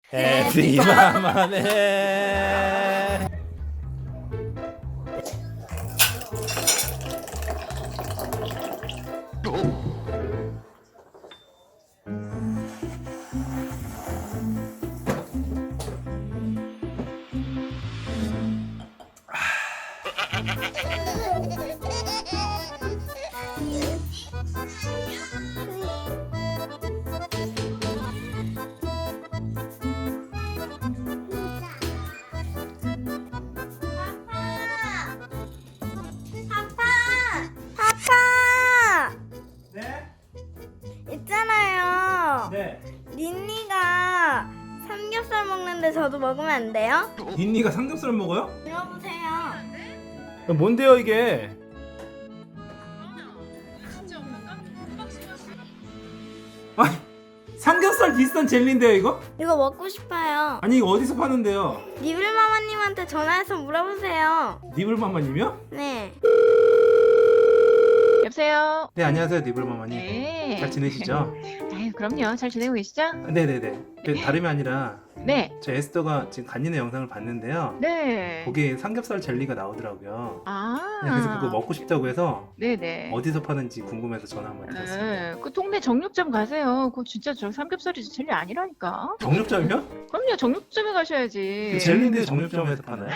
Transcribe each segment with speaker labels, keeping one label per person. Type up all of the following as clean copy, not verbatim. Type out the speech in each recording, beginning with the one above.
Speaker 1: 해피 마마네.
Speaker 2: 파파!
Speaker 1: 네?
Speaker 2: 있잖아요.
Speaker 1: 네.
Speaker 2: 닌니가 삼겹살 먹는데 저도 먹으면 안 돼요?
Speaker 1: 닌니가 삼겹살 먹어요?
Speaker 2: 들어보세요.
Speaker 1: 뭔데요 이게? 아, 삼겹살 비슷한 젤리인데요 이거?
Speaker 2: 이거 먹고 싶어요.
Speaker 1: 아니 이거 어디서 파는데요?
Speaker 2: 니블마마님한테 전화해서 물어보세요.
Speaker 1: 니블마마님이요?
Speaker 2: 네.
Speaker 3: 여보세요.
Speaker 1: 네 안녕하세요 니블마마님.
Speaker 3: 네.
Speaker 1: 잘 지내시죠?
Speaker 3: 아유, 그럼요. 잘 지내고 계시죠?
Speaker 1: 네네네. 다름이 아니라
Speaker 3: 네.
Speaker 1: 저 에스더가 지금 간이네 영상을 봤는데요.
Speaker 3: 네.
Speaker 1: 거기에 삼겹살 젤리가 나오더라고요.
Speaker 3: 아.
Speaker 1: 네, 그래서 그거 먹고 싶다고 해서
Speaker 3: 네네.
Speaker 1: 어디서 파는지 궁금해서 전화 한번 드렸습니다.
Speaker 3: 네. 그 동네 정육점 가세요. 그거 진짜 저 삼겹살이 젤리 아니라니까.
Speaker 1: 정육점이요?
Speaker 3: 그럼요. 정육점에 가셔야지.
Speaker 1: 그 젤리인데 정육점에서 파나요?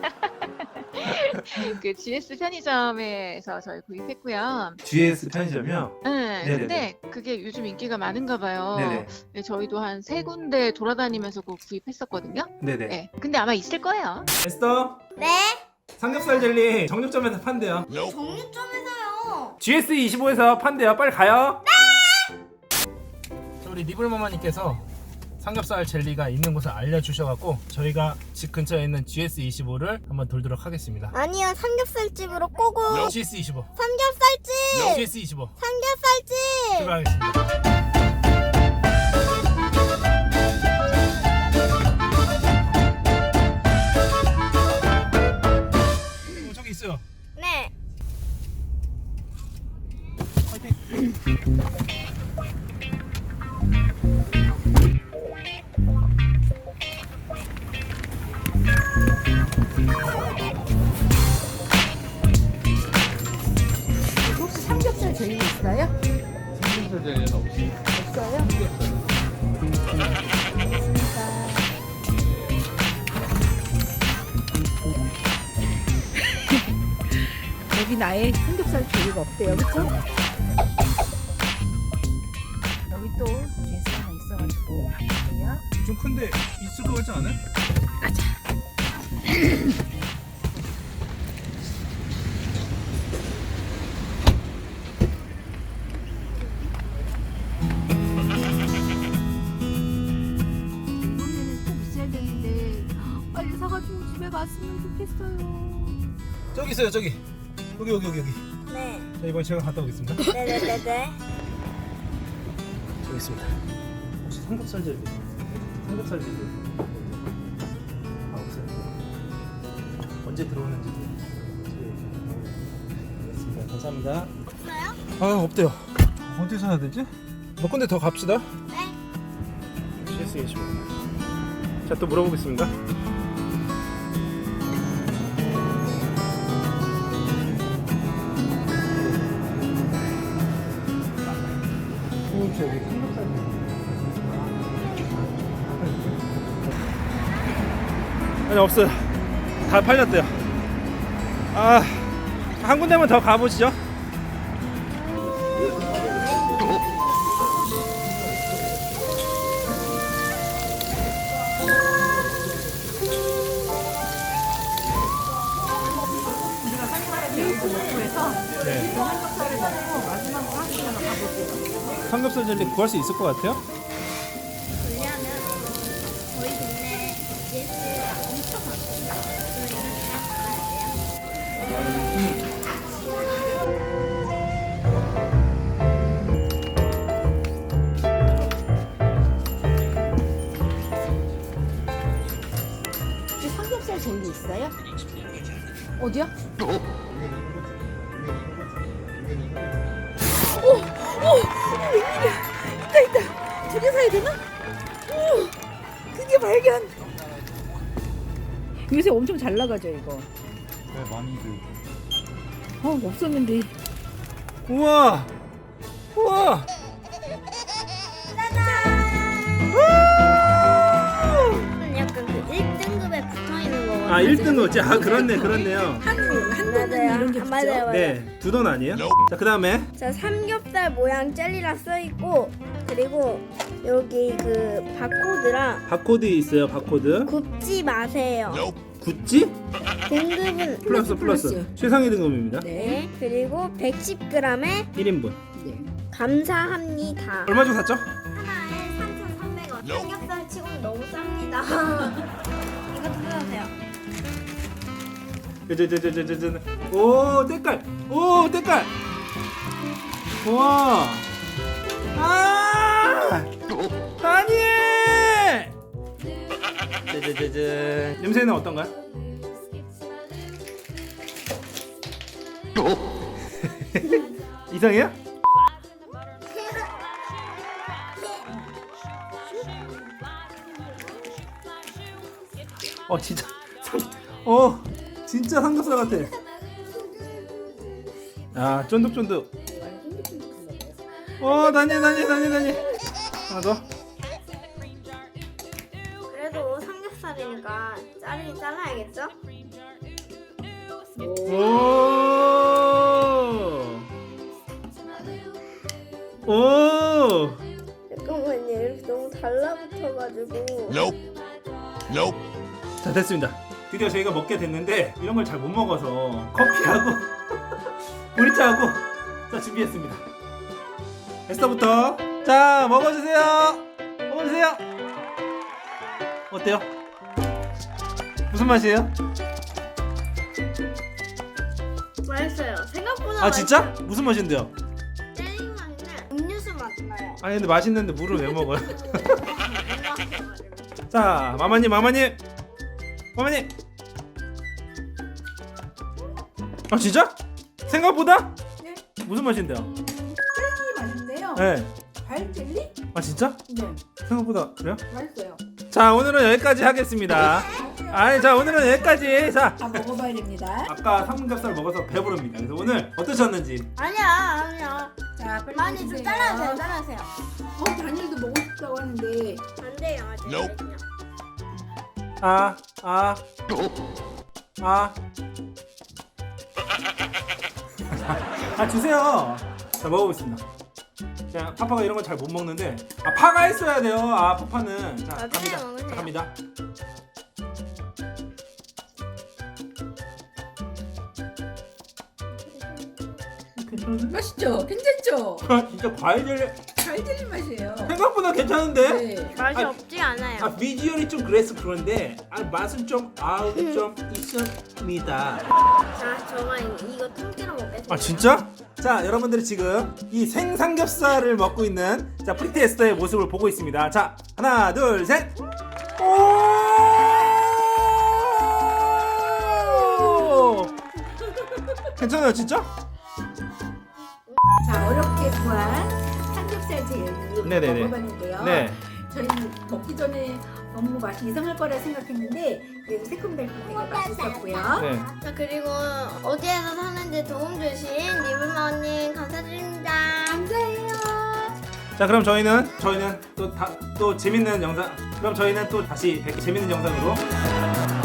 Speaker 3: 그 GS 편의점에서 저희 구입했고요.
Speaker 1: GS 편의점이요?
Speaker 3: 네.
Speaker 1: 네네네.
Speaker 3: 근데 그게 요즘 인기가 많은가 봐요.
Speaker 1: 네네.
Speaker 3: 네, 저희도 한 세 군데 돌아다니면서 그거 구입했었거든요.
Speaker 1: 네네.
Speaker 3: 네. 근데 아마 있을 거예요.
Speaker 1: 에스더
Speaker 2: 네?
Speaker 1: 삼겹살 젤리 정육점에서 판대요.
Speaker 2: 정육점에서요.
Speaker 1: GS25에서 판대요. 빨리 가요. 네. 우리 니블마마님께서 삼겹살 젤리가 있는 곳을 알려주셔갖고 저희가 집 근처에 있는 GS25를 한번 돌도록 하겠습니다.
Speaker 2: 아니요, 삼겹살집으로 꼬고.
Speaker 1: GS25.
Speaker 2: 삼겹살집!
Speaker 1: GS25.
Speaker 2: 삼겹살집!
Speaker 1: 출발하겠습니다. 저기 있어요.
Speaker 2: 네.
Speaker 4: 혹시 삼겹살 젤리 있어요?
Speaker 1: 삼겹살 젤리는 없어요.
Speaker 4: 없어요? 여기 나의 삼겹살 젤리가 없대요, 그쵸? 여기 또 제스 하나 있어가지고 볼게요.
Speaker 1: 좀 큰데 있을 것 같지 않아요?
Speaker 4: 이번에는 꼭 있어야 되는데 빨리 사가지고 집에 갔으면 좋겠어요.
Speaker 1: 저기 있어요. 저기. 여기.
Speaker 2: 네.
Speaker 1: 자, 이번에 제가 갔다 오겠습니다.
Speaker 2: 네네네네.
Speaker 1: 저기 있습니다. 혹시 삼겹살 젤리? 삼겹살 젤리? 아 없어요. 언제 들어오는지 알겠습니다. 감사합니다.
Speaker 2: 없어요?
Speaker 1: 아 없대요. 어디서 해야 되지? 몇 군데 더 갑시다.
Speaker 2: 네.
Speaker 1: CS25. 자 또 물어보겠습니다. 저기 삼겹살 아니 없어요. 다 팔렸대요. 아, 한 군데만 더 가보시죠. 네. 삼겹살 젤리 구할 수 있을 것 같아요?
Speaker 2: 왜냐면 저희 동네 GS가 엄청 많거든요.
Speaker 4: 혹시 삼겹살 젤리 있어요? 어디야? 오! 웬일이야? 있다! 두 개 사야 되나? 오! 드디어
Speaker 5: 발견. 요새 엄청 잘 나가죠 이거.
Speaker 6: 네, 많이들.
Speaker 5: 없었는데.
Speaker 1: 우와 우와
Speaker 2: 약간 그 1등급에 붙어있는 거
Speaker 1: 아 1등급 아 그렇네요
Speaker 5: 한 돈은 이런 게 붙죠.
Speaker 2: 맞아요.
Speaker 1: 네 2돈 아니에요? 자 그 다음에
Speaker 2: 자, 삼겹살 모양 젤리라 써있고, 그리고 여기 그 바코드랑
Speaker 1: 바코드 있어요. 바코드
Speaker 2: 굽지 마세요.
Speaker 1: 구찌
Speaker 2: 등급은
Speaker 1: 플러스 최상위 등급입니다.
Speaker 2: 네, 그리고 110g에
Speaker 1: 1인분
Speaker 5: 네.
Speaker 2: 감사합니다.
Speaker 1: 얼마 주고 샀죠?
Speaker 2: 하나에 3,300원. 삼겹살 치고는 너무 쌉니다. 이거 뜯어주세요.
Speaker 1: 오 때깔 우와 다니엘 짜자자잔 냄새는 어떤가요? 이상해요? 진짜 진짜 삼겹살 같아. 아 쫀득쫀득. 다니 하나 더.
Speaker 2: 그래도 삼겹살이니까 자르긴 잘라야겠죠?
Speaker 1: 오.
Speaker 2: 잠깐만요. 이렇게 너무 달라붙어가지고.
Speaker 1: 자 됐습니다. 드디어 저희가 먹게 됐는데 이런 걸 잘 못 먹어서 커피하고 보리차하고 자 준비했습니다. 에스터부터 자 먹어주세요. 어때요? 무슨 맛이에요?
Speaker 2: 맛있어요. 생각보다
Speaker 1: 아 진짜? 무슨 맛인데요?
Speaker 2: 젤리 맛인데 음료수 맛 나요.
Speaker 1: 아니 근데 맛있는데 물을 왜 먹어요? 자 마마님 아 진짜? 생각보다?
Speaker 5: 네.
Speaker 1: 무슨 맛인데요?
Speaker 5: 젤리 맛인데요.
Speaker 1: 네.
Speaker 5: 과일 젤리?
Speaker 1: 아 진짜?
Speaker 5: 네.
Speaker 1: 생각보다 그래요?
Speaker 5: 맛있어요.
Speaker 1: 자 오늘은 여기까지 하겠습니다. 자 오늘은 여기까지. 자
Speaker 5: 다 먹어봐야 됩니다.
Speaker 1: 아까 삼겹살 먹어서 배부릅니다. 그래서 오늘 어떠셨는지.
Speaker 2: 아니야.
Speaker 5: 자, 빨리
Speaker 2: 많이 좀
Speaker 5: 드세요.
Speaker 2: 잘라주세요.
Speaker 5: 다니엘도 먹고 싶다고 하는데.
Speaker 2: 안 돼요, 아직.
Speaker 1: 주세요. 자 먹어보겠습니다. 자 파파가 이런 거 잘 못 먹는데 파가 있어야 돼요. 파파는 자
Speaker 2: 먹으세요,
Speaker 1: 갑니다.
Speaker 2: 먹으세요.
Speaker 1: 자, 갑니다.
Speaker 5: 맛있죠? 괜찮죠?
Speaker 1: 진짜 과일 젤리
Speaker 5: 과일 젤리 맛이에요.
Speaker 1: 생각보다 괜찮은데?
Speaker 5: 네.
Speaker 2: 맛이
Speaker 1: 아,
Speaker 2: 없지 않아요.
Speaker 1: 비주얼이 좀 그래서 그런데 맛은 좀 있습니다.
Speaker 2: 자, 저만 이거 통째로 먹겠습니다.
Speaker 1: 진짜? 자 여러분들이 지금 이 생삼겹살을 먹고 있는 자 프리티 에스터의 모습을 보고 있습니다. 자 하나 둘 셋. 오! 괜찮아요 진짜?
Speaker 5: 자, 어렵게 구한 삼겹살 젤리
Speaker 1: 네네네.
Speaker 5: 먹어봤는데요.
Speaker 1: 네.
Speaker 5: 저희는 먹기 전에 너무 맛이 이상할 거라 생각했는데 그래도 새콤달콤하게 맛있었고요.
Speaker 1: 네.
Speaker 2: 자, 그리고 어디에서 사는지 도움 주신 리블마님 감사드립니다. 감사해요.
Speaker 1: 자 그럼 저희는 또 재밌는 영상. 그럼 저희는 또 다시 재밌는 영상으로